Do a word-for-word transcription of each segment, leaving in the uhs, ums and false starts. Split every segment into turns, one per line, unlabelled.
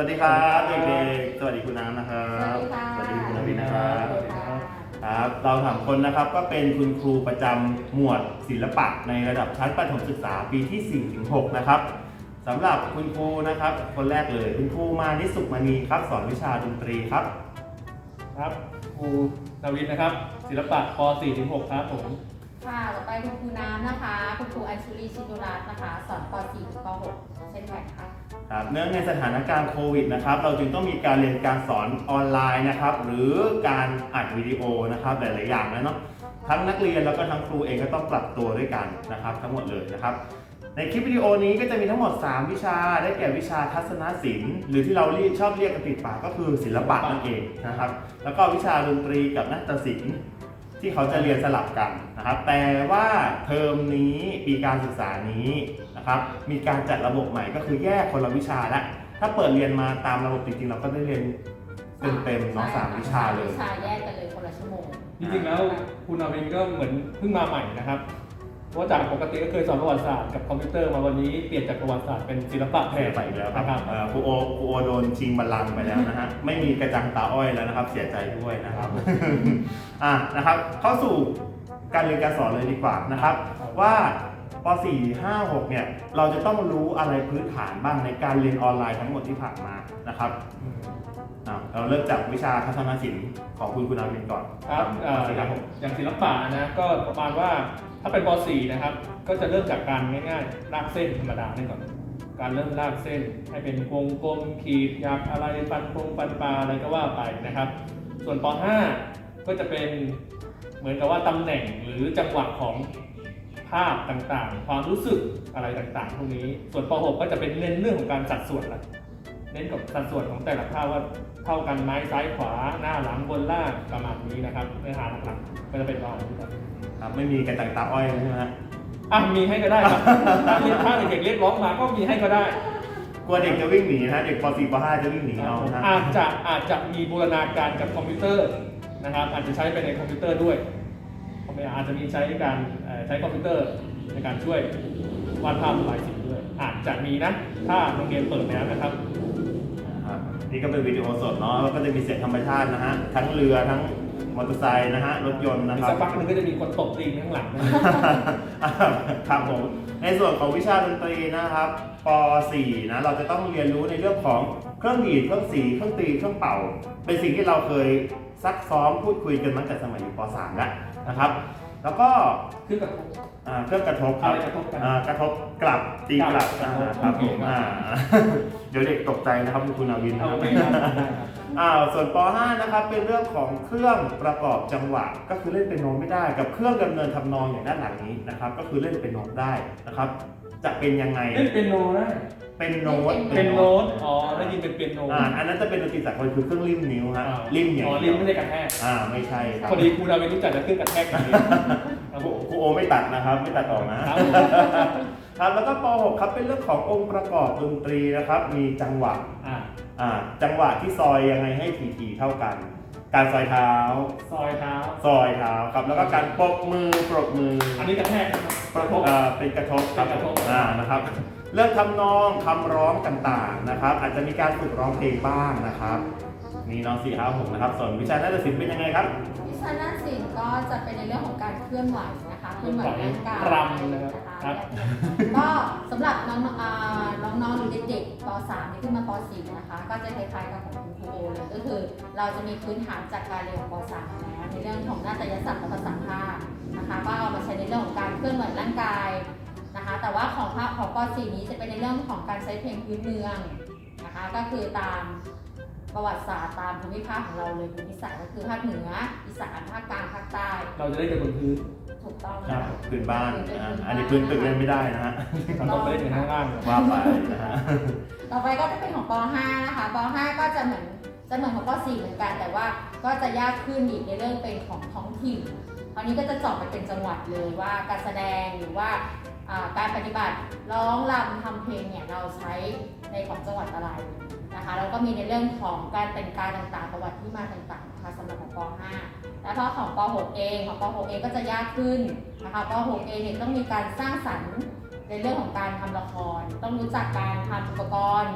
วัสดีครับเด็กๆสวัสดีคุณน้ำนะครับ
สวัสดีค่ะ
สวัสดีคุณนวินนะครับ
สวัสดีค่ะ
ครับเราสามคนนะครับก็เป็นคุณครูประจำหมวดศิลปะในระดับชั้นประถมศึกษาปีที่ สี่ถึงหก นะครับสำหรับคุณครูนะครับคนแรกเลยคุณครูมานิสุขมณีครับสอนวิชาดนตรีครับ
ครับครูนวินนะครับศิลปะป สี่ถึงหก ครับผม
ค่ะต่อไปคุณครูน้ำนะคะคุณครูอัญชุลีชินุรัตน์นะคะสอนป สี่ถึงป หก เช่นกันค่ะ
ครับเนื่องในสถานการณ์โควิดนะครับเราจึงต้องมีการเรียนการสอนออนไลน์นะครับหรือการอัดวิดีโอนะครับหลายๆอย่างแล้วเนาะทั้งนักเรียนแล้วก็ทั้งครูเองก็ต้องปรับตัวด้วยกันนะครับทั้งหมดเลยนะครับในคลิปวิดีโอนี้ก็จะมีทั้งหมดสามวิชาได้แก่วิชาทัศนศิลป์หรือที่เราเรียกชอบเรียกกันติดปากก็คือศิลปะนั่นเองนะครับแล้วก็วิชาดนตรีกับนาฏศิลป์ที่เขาจะเรียนสลับกันนะครับแต่ว่าเทอมนี้ปีการศึกษานี้นะครับมีการจัดระบบใหม่ก็คือแยกคนละวิชาละถ้าเปิดเรียนมาตามระบบจริงๆเราก็ได้เรียนเต็มๆเนาะสามวิชาเลย
วิชาแยกกันเลยคนละชั่วโมง
จริงๆแล้วครูนวินก็เหมือนเพิ่งมาใหม่นะครับเพราะจากปกติก็เคยสอนประวัติศาสตร์กับคอมพิวเตอร์มาวันนี้เปลี่ยนจากประวัติศาสตร์เป็นศิลปะแท
เสีย
น
ไปอีกแล้วครับ
นะครับ
เอ่อครูโอครูโอโดนชิงบัลลังก์ไปแล้วนะฮะ ไม่มีกระจังตาอ้อยแล้วนะครับ เสียใจด้วยนะครับ อ่ะนะครับ เข้าสู่การเรียนการสอนเลยดีกว่านะครับ ว่าป สี่ ห้า หก เนี่ย เราจะต้องรู้อะไรพื้นฐานบ้างในการเรียนออนไลน์ทั้งหมดที่ผ่านมานะครับ
อืม
อ่ะเราเริ่มจากวิชาทัศนศิลป์ของคุณคุณอาวินก่อน
ครับเอ่อ
สิ
อ
ครั
ย่า
บ
งอย่างศิลปะนะก็ประมาณว่าถ้าเป็นป สี่ นะครับก็จะเริ่มจากการง่ายๆลากเส้นธรรมดานี่ก่อนการเริ่มลากเส้นให้เป็นวงกลมขีดหยักอะไรฟันโครงฟันปลาอะไรก็ว่าไปนะครับ ส่วนป ห้า ก็จะเป็นเหมือนกับว่าตำแหน่งหรือจังหวะของภาพต่างๆ ความรู้สึกอะไรต่างๆพวกนี้ส่วนป หก ก็จะเป็นเน้นเรื่องของการสัดส่วนละเน้นกับสัดส่วนของแต่ละภาพว่าเท่ากันไหมซ้ายขวาหน้าหลังบนล่างประมาณนี้นะครับเนื้อหาหลักๆก็จะเป็นประมาณนี้ครับ
ครับไม่มีกระจังตาอ้อยใช่ไหมฮะ
อ่ะมีให้ก็ได้ครับถ้าเรียนถ้าเด็กๆเรียกร้องมาก็มีให้ก็ได้
กลัวเด็กจะวิ่งหนีนะฮะเด็กป สี่ ป ห้า จะวิ่งหนีเอานะฮะ
อาจจะอาจจะมีบูรณาการกับคอมพิวเตอร์นะครับอาจจะใช้ไปในคอมพิวเตอร์ด้วยอาจจะมีใช้การเอ่อใช้คอมพิวเตอร์ในการช่วยวาดภาพระบายสีด้วยอาจจะมีนะถ้าโรงเรียนเปิดแล้วนะครับ
นะครับนี่ก็เป็นวิดีโอสดเนาะแล้วก็จะมีเสียงธรรมชาตินะฮะทั้งเรือทั้งมอเตอร์ไซค์นะฮะรถยนต์นะ
มี
ครับ
สักพักหนึงก็จะมีคนตบตีนข้างหลังนะ
ครับผมในส่วนของวิชาดนตรีนะครับป สี่ นะเราจะต้องเรียนรู้ในเรื่องของเครื่องดีดเครื่องสีเครื่องตีเครื่องเป่า เป็นสิ่งที่เราเคยซักซ้อมพูดคุยกันมาตั้งแต่สมัยอยู่ป สาม แล้วนะครับ แล้วก็
คือกับ
อ่าเครื่องกระทบครับ
อะไรกระทบกัน
อ่ากระทบกลับตีกลับ
กลับ
อ่าครับผม
โอเคครับ
อ่า เดี๋ยวเด็กตกใจนะครับคุณนาวินนะ
เอา
ครับ
ไปได้ได้ครับ
อ่าส่วนป ห้า นะครับเป็นเรื่องของเครื่องประกอบจังหวะก็คือเล่นเป็นโน้ตไม่ได้กับเครื่องดำเนินทำนองอย่างด้านหลังนี้นะครับก็คือเล่นเป็นโน้ตได้นะครับ จะเป็นยังไง
เล่นเป็นโนได้
เป็นโน้ต
เป็นโน้ตอ๋อได้ยินเป็นเปียโน
อ่าอันนั้นจะเป็นดนตรีสากลคือเครื่องริมนิ้วฮะริมอย่าง
อ๋อ
เดี
ริ
ย
ม
ว
ไม่ได้กระแทก
อ่าไม่ใช่ครับ
พอดีครูดาวินรู้จักจะขึ้นกระแทกอย่างนี้
ครูครูโอไม่ตัดนะครับไม่ตัดออกนะครับ ครับแล้วก็ป หก ครับเป็นเรื่องขององค์ประกอบดนตรีนะครับ มีจังหวะ
อ่า
อ่าจังหวะที่ซอยยังไงให้ถี่ๆเท่ากัน การซอยเท้า
ซอยเท้า
ซอยเท้าครับแล้วก็การปรบมือปรบมือ
อันนี้กระแทกนะครับ
ประกบอ่าเป็นกระทบครับ
เป็นกระทบ
อ่านะครับ เรื่องทำนองคำร้องต่างๆนะครับ อาจจะมีการฝึกร้องเพลงบ้างนะครับมีน้องสี่ห้าหกนะครับส่วนวิชานาฏศิลป์เป็นยังไงครับ
วิชาด้านศิลป์ก็จะเป็นในเรื่องของการเคลื่อนไหวนะคะเคลื่อนไหวร่างกาย
รำนะครับครับ
ก็สำหรับน้องๆอ่าน้องๆหรือเด็กๆป สาม ที่ขึ้นมาป สี่ นะคะก็จะคล้ายๆกับของคุณครูโอเลยก็คือเราจะมีพื้นฐานจากการเรียนของป สาม แล้วในเรื่องของนาฏยศาสตร์และภาษาภาคนะคะก็เอามาใช้ในเรื่องของการเคลื่อนไหวร่างกายนะคะแต่ว่าของภาคของป สี่ นี้จะเป็นในเรื่องของการใช้เพลงพื้นเมืองนะคะก็คือตามประวัติศาสตร์ตามภูมิภาคของเราเลยภูมิศาสตร์ก็คือภาคเหนืออีสานภาคกลางภาคใต้
เราจะได้กันบนพื้น
ถูกต้อง
ครั
ค่ะ
บพื้นบ้านนะฮะอันนี้พื้นตึกเล่นไม่ได้นะฮะ
เราต้องไปเล่นกันข้างล่าง
ว่าไปนะฮะ
ต่อไปก็จะเป็นของป ห้า นะคะป ห้า ก็จะเหมือนจะเหมือนของป สี่ เหมือนกัน แต่ว่าก็จะยากขึ้นอีกในเรื่องเป็นของท้องถิ่นคราวนี้ก็จะเจาะไปเป็นจังหวัดเลยว่าการแสดงหรือว่าอ่าการปฏิบัติร้องรำทำเพลงเนี่ยเราใช้ในของจังหวัดอะไรนะคะแล้วก็มีในเรื่องของการแต่งกายต่างๆประวัติที่มาต่างๆนะคะสำหรับของป ห้า แล้วพอของป หก เองของป หก เองก็จะยากขึ้นนะคะป หก เองเนี่ยต้องมีการสร้างสรรค์ในเรื่องของการทำละคร ต้องรู้จักการทำอุปกรณ์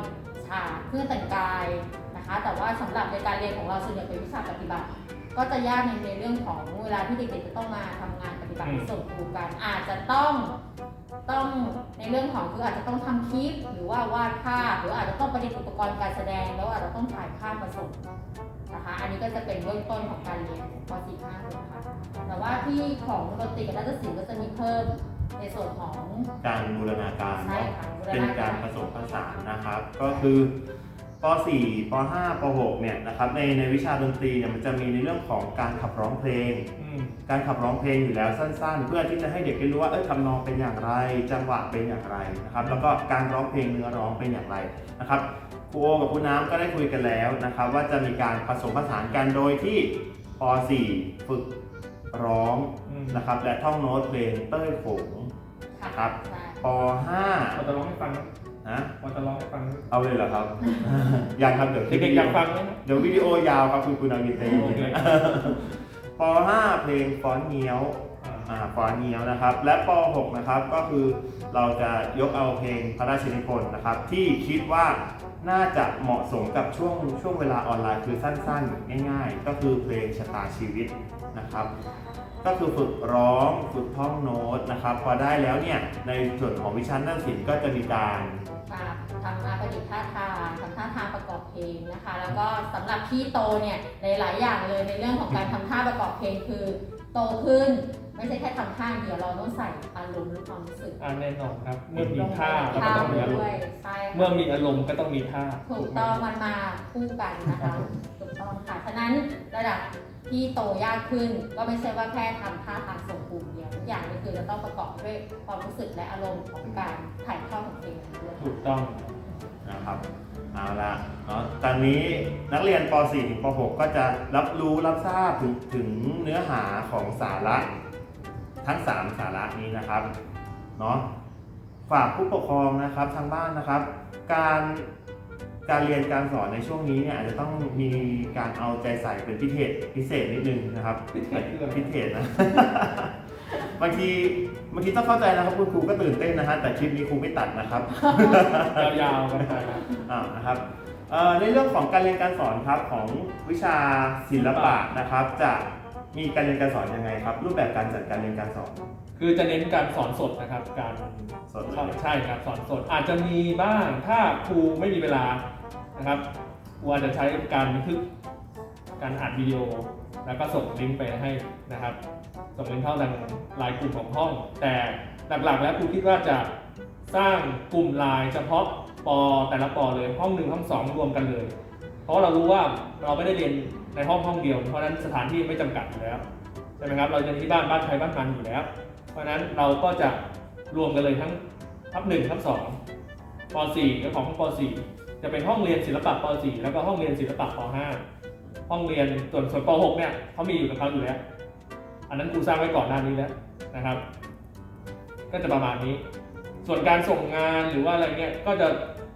ชาเครื่องแต่งกายนะคะ แต่ว่าสำหรับในการเรียนของเราส่วนใหญ่เป็นวิชาปฏิบัติ ก็จะยากในในเรื่องของเวลาที่เด็กๆจะต้องมาทำงานปฏิบัติส่งครูกันอาจจะต้องต้องในเรื่องของคืออาจจะต้องทำคลิปหรือว่าวาดภาพหรืออาจจะต้องประดิษฐ์อุปกรณ์การแสดงแล้วอาจจะต้องถ่ายภาพมาส่งนะคะอันนี้ก็จะเป็นเบื้องต้นของการเรียนป .สี่ ห้า หก ค่ะแต่ว่าที่ของดนตรีกับนาฏศิลป์ก็จะมีเพิ่มในส่วนของ
การบูรณาการ
ใช่
เนาะ
ค่ะบูร
เป็น
ณา
การ
การ
ผสมผสานนะครับ ก็คือป .สี่ ป .ห้า ป .หก เนี่ยนะครับในในวิชาดนตรีเนี่ยมันจะมีในเรื่องของการขับร้องเพลง
อืม
การขับร้องเพลงอยู่แล้วสั้นๆ เพื่อที่จะให้เด็กได้รู้ว่าเออทำนองเป็นอย่างไร จังหวะเป็นอย่างไรนะครับแล้วก็การร้องเพลงเนื้อร้องเป็นอย่างไรนะครับครูโอกับครูน้ำก็ได้คุยกันแล้วนะครับว่าจะมีการผสมผสานกันโดยที่ป .สี่ ฝึกร้อง
อืม
นะครับและท่องโน้ตเพลงเต้ยโขง
ค่ะ
ครับ
ใช่
ป .ห้า
พอจะร้องให้ฟังไหม
นะ
พอจะร้องให้ฟังไหม
เอาเลยเหรอครับ ยังครับเดี๋ยว
เด็กๆอยากฟังไหม
เดี๋ยววิดีโอยาวครับคุณคุณอาวินเต้
โอเค
ป .ห้า เพลงฟ้อนเงี้ยว
อ่า
อ่าฟ้อนเงี้ยวนะครับ และป .หก นะครับก็คือเราจะยกเอาเพลงพระราชนิพนธ์นะครับ ที่คิดว่าน่าจะเหมาะสมกับช่วงช่วงเวลาออนไลน์คือสั้นๆ ง่ายๆ ก็คือเพลงชะตาชีวิตนะครับ ก็คือฝึกร้องฝึกท่องโน้ตนะครับ พอได้แล้วเนี่ยในส่วนของวิชานาฏศิลป์ก็จะมีการ
ค่ะทำมาประดิษฐ์ท่าทางทำท่าทางประกอบเพลงนะคะ แล้วก็สำหรับพี่โตเนี่ยหลายๆอย่างเลยในเรื่องของการทำท่าประกอบเพลงคือโตขึ้นไม่ใช่แค่ทำท่าเดียวเราต้องใส่อารมณ์หรือความรู้สึก
อ่าแน่นอนครับ เมื่อมีท่าก็
ท่า
ต้องมีอารม
ด้วย
ณ์
ใช่
เมื่อ
ค่ะ
มีอารมณ์ก็ต้องมีท่า
ถูกต้องมันมาคู่กันนะคะถูกต้องค่ะฉะนั้นระดับที่โตยากขึ้นก็ไม่ใช่ว่าแค่ทำท่าทางส่งกลุ่มเดียวทุกอย่างก็คือจะต้องประกอบด้วยความรู้สึกและอารมณ์ของการถ่ายทอดของเพลงนั้นด้วย
ถูกต้อง
นะครับเอาละเนาะตอนนี้นักเรียนป .สี่ ถึงป .หก ก็จะรับรู้รับทราบถึงถึงเนื้อหาของสาระทั้งสามสาระนี้นะครับเนาะฝากผู้ปกครองนะครับทางบ้านนะครับ การการเรียนการสอนในช่วงนี้เนี่ยอาจจะต้องมีการเอาใจใส่เป็นพิเศษพิเศษนิดนึงนะครับ
พิเศษคืออะไร
พิเศษนะ บางทีบางทีต้องเข้าใจนะครับคุณครูก็ตื่นเต้นนะฮะแต่คลิปนี้ครูไม่ตัดนะครับ
ยาวๆกันไปนะ
อ่านะครับเอ่อในเรื่องของการเรียนการสอนครับของวิชาศิลปะนะครับ จะมีการเรียนการสอนยังไงครับ รูปแบบการจัดการเรียนการสอน
คือจะเน้นการสอนสดนะครับ การ
สดเลย
ใช่ครับสอนสดอาจจะมีบ้างถ้าครูไม่มีเวลานะครับครูอาจจะใช้การบันทึกการอัดวิดีโอ แล้วก็ส่งลิงก์ไปให้นะครับ ส่งลิงก์เข้าทางไลน์กลุ่มของห้อง แต่หลักๆ แล้วครูคิดว่าจะสร้างกลุ่มไลน์เฉพาะปแต่ละปเลยห้องหนึ่งห้องสองรวมกันเลย เพราะเรารู้ว่าเราไม่ได้เรียนในห้องห้องเดียว เพราะฉะนั้นสถานที่ไม่จำกัดอยู่แล้วใช่ไหมครับเราจะที่บ้านบ้านใครบ้านมันอยู่แล้ว เพราะฉะนั้นเราก็จะรวมกันเลยทั้งทับหนึ่งทับสองป .สี่ และของป .สี่ จะเป็นห้องเรียนศิลปะป .สี่ แล้วก็ห้องเรียนศิลปะป .ห้า ห้องเรียนส่วนส่วนป .หก เนี่ยเขามีอยู่กับเขาอยู่แล้ว อันนั้นครูสร้างไว้ก่อนหน้านี้แล้วนะครับ ก็จะประมาณนี้ ส่วนการส่งงานหรือว่าอะไรเนี่ยก็จะ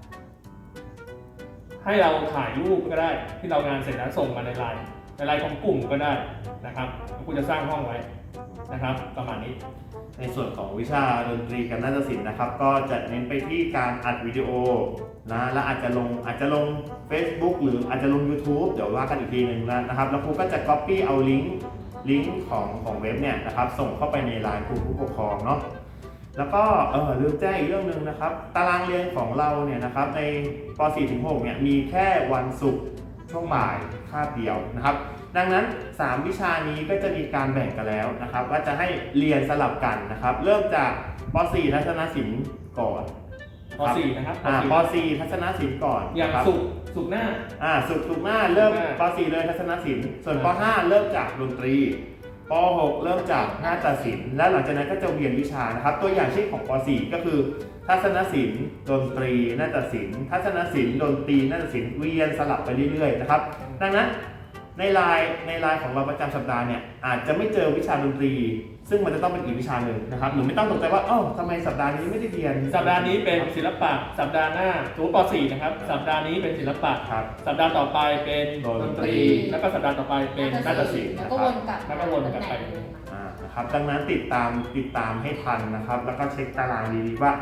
ให้เราถ่ายรูปก็ได้ที่เรางานเสร็จแล้วส่งมาในไลน์ในไลน์ของกลุ่มก็ได้นะครับครูจะสร้างห้องไว้นะครับ ประมาณนี้
ในส่วนของวิชาดนตรีกับนาฏศิลป์นะครับ ก็จะเน้นไปที่การอัดวิดีโอนะและอาจจะลงอาจจะลง Facebook หรืออาจจะลง YouTube เดี๋ยวว่ากันอีกทีหนึ่งนะครับแล้วครูก็จะ Copy เอาลิงก์ลิงก์ของของเว็บเนี่ยนะครับส่งเข้าไปในไลน์ครูผู้ปกครองเนาะแล้วก็เออลืมแจ้งอีกเรื่องหนึ่งนะครับ ตารางเรียนของเราเนี่ยนะครับในป .สี่ ถึง หก เนี่ยมีแค่วันศุกร์ช่วงบ่ายคาบเดียวนะครับ ดังนั้นสามวิชานี้ก็จะมีการแบ่งกันแล้วนะครับว่าจะให้เรียนสลับกันนะครับ เริ่มจากป .สี่ ทัศนศิลป์ก่อน
ป .สี่ นะครับ
อ่าป .สี่ ทัศนศิลป์ก่อน
อย่าง
นะครับ
สุกร์สุกร์หน้า
อ่าสุกร์ศุกร์หน้าเริ่ม
ศุกร์หน้า
ป .สี่ เลยทัศนศิลป์ส่วนป
อ่า
.ห้า เริ่มจากดนตรีป .หก เริ่มจากนาฏศิลป์และหลังจากนั้นก็จะเวียนวิชานะครับ ตัวอย่างเช่นของป .สี่ ก็คือทัศนศิลป์ดนตรีนาฏศิลป์ทัศนศิลป์ดนตรีนาฏศิลป์เวียนสลับไปเรื่อยๆนะครับดังนั้นในไลน์ในไลน์ของเราประจำสัปดาห์เนี่ยอาจจะไม่เจอวิชาดนตรี ซึ่งมันจะต้องเป็นอีกวิชาหนึ่งนะครับหรือไม่ต้องตกใจว่าเอ้าทำไมสัปดาห์นี้ไม่ได้เรียน
สัปดาห์นี้เป็นศิลปะสัปดาห์หน้าสมมติป .สี่ นะครับสัปดาห์นี้เป็นศิลปะ
ครับ
สัปดาห์ต่อไปเป็น
ด
ด
น
น
ต
ต
รี
รีแล้วก็สัปดาห์ต่อไปเป็นนาฏศิลป์
แล้วก็วนกลับ
แล้วก็วนกลับไป
อ่านะครับดังนั้นติดตามติดตามให้ทันนะครับ แล้วก็เช็คตารางดีๆว่า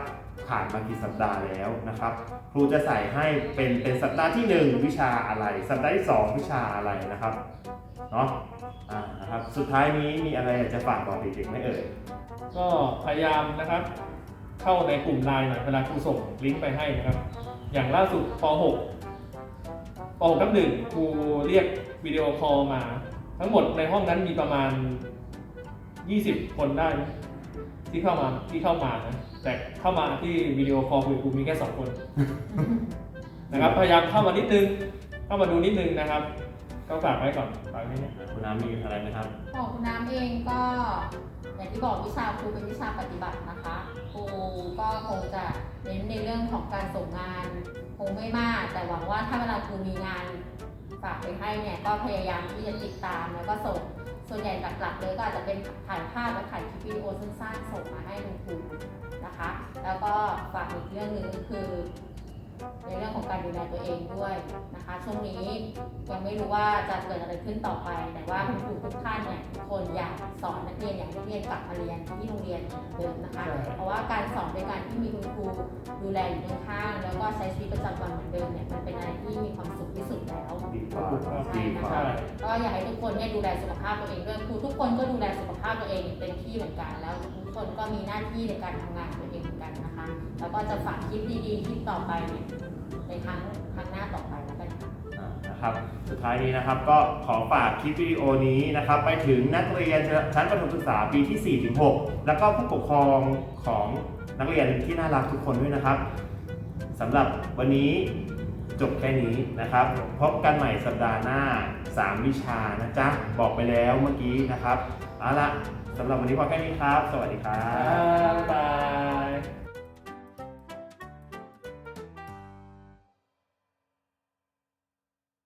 ผ่านมากี่สัปดาห์แล้วนะครับ ครูจะใส่ให้เป็นเป็นสัปดาห์ที่หนึ่งวิชาอะไร สัปดาห์ที่สองวิชาอะไรนะครับเนาะอ่านะครับสุดท้ายนี้มีอะไรอยากจะฝากบอกเด็กๆไหมเอ่ย
ก็พยายามนะครับ เข้าในกลุ่มไลน์หน่อยเวลาครูส่งลิงก์ไปให้นะครับ อย่างล่าสุดป .หก ป .หก ทับหนึ่งครูเรียกวิดีโอคอลมา ทั้งหมดในห้องนั้นมีประมาณ ยี่สิบ คนได้นะที่เข้ามาที่เข้ามานะแต่เข้ามาที่วิดีโอคอลคุยกับครูมีแค่สองคน นะครับพยายามเข้ามานิดนึงเข้ามาดูนิดนึงนะครับ ก็ฝากไว้ก่อนฝากไว้เนี่ย
คุณน้ำมีอะไรไหมครับ
ของคุณน้ำเองก็อย่างที่บอกวิชาครูเป็นวิชาปฏิบัตินะคะครูก็คงจะเน้นในเรื่องของการส่งงานคงไม่มาก แต่หวังว่าถ้าเวลาครูมีงานฝากไปให้เนี่ยก็พยายามที่จะติดตามแล้วก็ส่งส่วนใหญ่หลักๆเลยก็อาจจะเป็นถ่ายภาพและถ่ายคลิปวิดีโอสั้นๆส่งมาให้คุณครูนะคะ แล้วก็ฝากอีกเรื่องหนึ่งก็คือ ในเรื่องของการดูแลตัวเองด้วยนะคะ ช่วงนี้ยังไม่รู้ว่าจะเกิดอะไรขึ้นต่อไป แต่ว่าคุณครูทุกท่านเนี่ยทุกคนอยากสอนนักเรียนอย่างนักเรียนกลับมาเรียนที่โรงเรียนเหมือนเดิมนะคะ เพราะว่าการสอนโดยการที่มีคุณครูดูแลอยู่ข้างๆแล้วก็ใช้ชีวิตประจำวันเหมือนเดิมเนี่ยมันเป็นอะไรที่มีความสุขที่สุดแล้ว
ดีกว่า
ใช่
ดี
นะ
กว่า
คะก็อยากให้ทุกคนเนี่ยดูแลสุขภาพตัวเองด้วยครูทุกคนก็ดูแลสุขภาพตัวเองเต็มที่เหมือนกันแล้วทุกคนก็มีหน้าที่ในการทำงานของตัวเองเหมือนกันนะคะ แล้วก็จะฝากคลิปดีๆคลิปต่อไปเนี่ยในครั้งครั้งหน้าต่อไปแล้วกันค่ะ
อ่านะครับสุดท้ายนี้นะครับก็ขอฝากคลิปวิดีโอนี้นะครับไปถึงนักเรียนชั้นประถมศึกษาปีที่ สี่ถึงหก แล้วก็ผู้ปกครองของนักเรียนที่น่ารักทุกคนด้วยนะครับสำหรับวันนี้จบแค่นี้นะครับพบกันใหม่สัปดาห์หน้า สาม วิชานะจ๊ะบอกไปแล้วเมื่อกี้นะครับเอาละสำหรับวันนี้พอแค่นี้ครับ สวัสดีครับ
บ๊ายบาย